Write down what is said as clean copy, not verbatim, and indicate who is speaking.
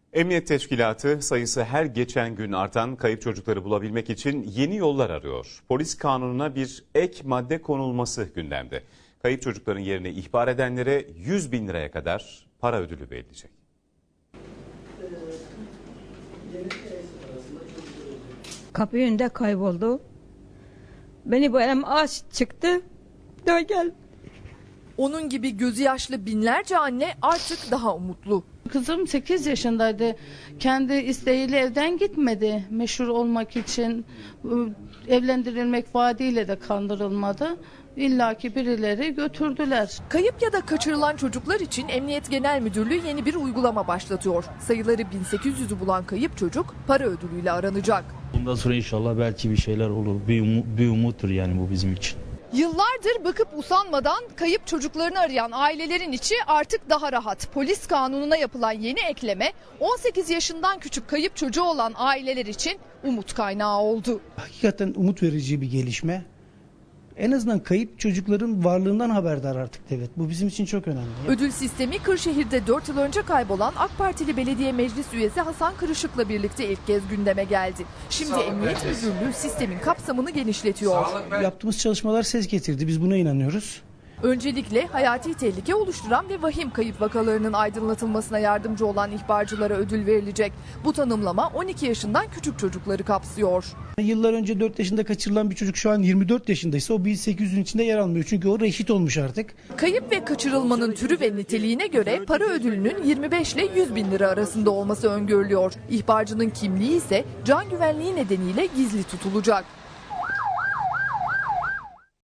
Speaker 1: Emniyet Teşkilatı sayısı her geçen gün artan kayıp çocukları bulabilmek için yeni yollar arıyor. Polis kanununa bir ek madde konulması gündemde. Kayıp çocukların yerine ihbar edenlere 100 bin liraya kadar para ödülü verilecek.
Speaker 2: Kapı önünde kayboldu. Beni bu elim aç çıktı. Dön gel.
Speaker 3: Onun gibi gözü yaşlı binlerce anne artık daha umutlu.
Speaker 4: Kızım 8 yaşındaydı. Kendi isteğiyle evden gitmedi. Meşhur olmak için evlendirilmek vaadiyle de kandırılmadı. İlla ki birileri götürdüler.
Speaker 3: Kayıp ya da kaçırılan çocuklar için Emniyet Genel Müdürlüğü yeni bir uygulama başlatıyor. Sayıları 1800'ü bulan kayıp çocuk para ödülüyle aranacak.
Speaker 5: Bundan sonra inşallah belki bir şeyler olur. Bir umuttur yani bu bizim için.
Speaker 3: Yıllardır bakıp usanmadan kayıp çocuklarını arayan ailelerin içi artık daha rahat. Polis kanununa yapılan yeni ekleme 18 yaşından küçük kayıp çocuğu olan aileler için umut kaynağı oldu.
Speaker 6: Hakikaten umut verici bir gelişme. En azından kayıp çocukların varlığından haberdar artık devlet. Bu bizim için çok önemli.
Speaker 3: Ödül sistemi Kırşehir'de 4 yıl önce kaybolan AK Partili belediye meclis üyesi Hasan Kırışık'la birlikte ilk kez gündeme geldi. Şimdi Emniyet Müdürlüğü sistemin kapsamını genişletiyor.
Speaker 6: Yaptığımız çalışmalar ses getirdi. Biz buna inanıyoruz.
Speaker 3: Öncelikle hayati tehlike oluşturan ve vahim kayıp vakalarının aydınlatılmasına yardımcı olan ihbarcılara ödül verilecek. Bu tanımlama 12 yaşından küçük çocukları kapsıyor.
Speaker 6: Yıllar önce 4 yaşında kaçırılan bir çocuk şu an 24 yaşındaysa o 1800'ün içinde yer almıyor. Çünkü o reşit olmuş artık.
Speaker 3: Kayıp ve kaçırılmanın türü ve niteliğine göre para ödülünün 25 ile 100 bin lira arasında olması öngörülüyor. İhbarcının kimliği ise can güvenliği nedeniyle gizli tutulacak.